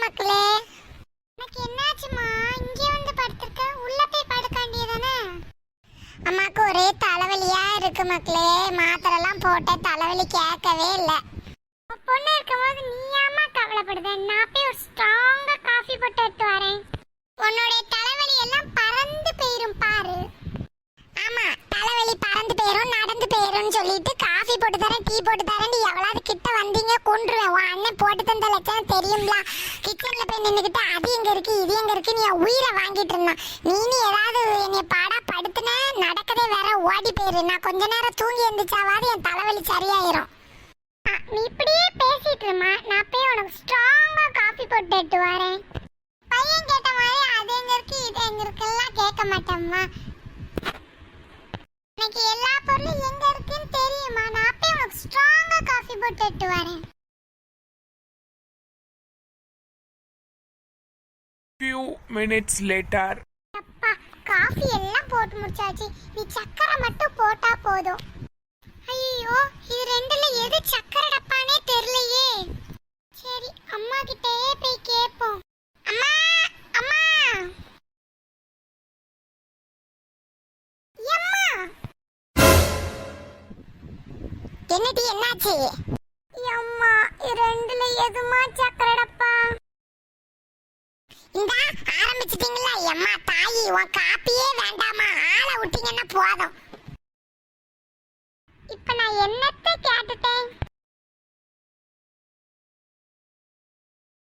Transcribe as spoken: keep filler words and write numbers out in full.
மக்களே. எனக்கு என்னாச்சுமா இங்கே வந்து படுத்திருக்க? உள்ள போய் படுக்க வேண்டியதானே? அம்மாக்கு ஒரே தலைவலியா இருக்கு மக்களே. மாத்திரை எல்லாம் போட்ட தலைவலி கேட்கவே இல்லை. பொண்ணு இருக்கும்போது நீ ஏமா கவலைப்படுத? நான் போய் ஒரு ஸ்ட்ராங்கா காஃபி போட்டு எடுத்து வரேன். உன்னுடைய தலைவலி எல்லாம் பறந்து போயிரும் பாரு. ஆமா, தலைவலி பறந்து போயிரும் நடந்து போயிரும் சொல்லிட்டு காஃபி போட்டு தரேன் டீ போட்டு தரேன் எவ்வளவு கிட்ட வந்தீங்க கொன்றுவேன். உன் அண்ணன் போட்டு தந்த லட்சம் தெரியுங்களா? கிச்சன்ல போய் நின்றுக்கிட்டு அது எங்க இருக்கு இது எங்க இருக்கு நீ உயிரை வாங்கிட்டு இருந்தான். நீ ஏதாவது என்னை பாடா படுத்துன நடக்கதே வேற ஓடி போயிரு. நான் கொஞ்ச நேரம் தூங்கி எழுந்துச்சாவது என் தலைவலி சரியாயிரும். நீ இப்படியே பேசிட்டு இருமா, நான் போய் உனக்கு ஸ்ட்ராங்கா காஃபி போட்டு எடுத்து வரேன். பையன் கேட்ட மாதிரி அது எங்க இருக்கு இது எங்க இருக்குலாம் கேட்க மாட்டேம்மா. எனக்கு எல்லா பொருளும் எங்க இருக்குன்னு தெரியுமா? நான் போய் உனக்கு ஸ்ட்ராங்கா காஃபி போட்டு எடுத்து வரேன். Few minutes later. அப்பா, காஃபி எல்லாம் போட்டு முடிச்சாச்சு. நீ சக்கரை மட்டும் போட்டா போதும். ஐயோ, இது ரெண்டுல எது சக்கரை டப்பானே தெரியலையே. சரி, அம்மா கிட்டயே போய் கேட்போம். அம்மா அம்மா அம்மா, என்னடி என்னாச்சு? அம்மா, இது ரெண்டுல எதுமா சக்கரை டப்பா? இந்த ஆரம்பிச்சிட்டீங்களா? அம்மா தாயி, உன் காப்பியே வேண்டாமா? ஆளை விட்டீங்கன்னா போதும். இப்ப நான் என்னத்தை கேட்டுட்டேன்?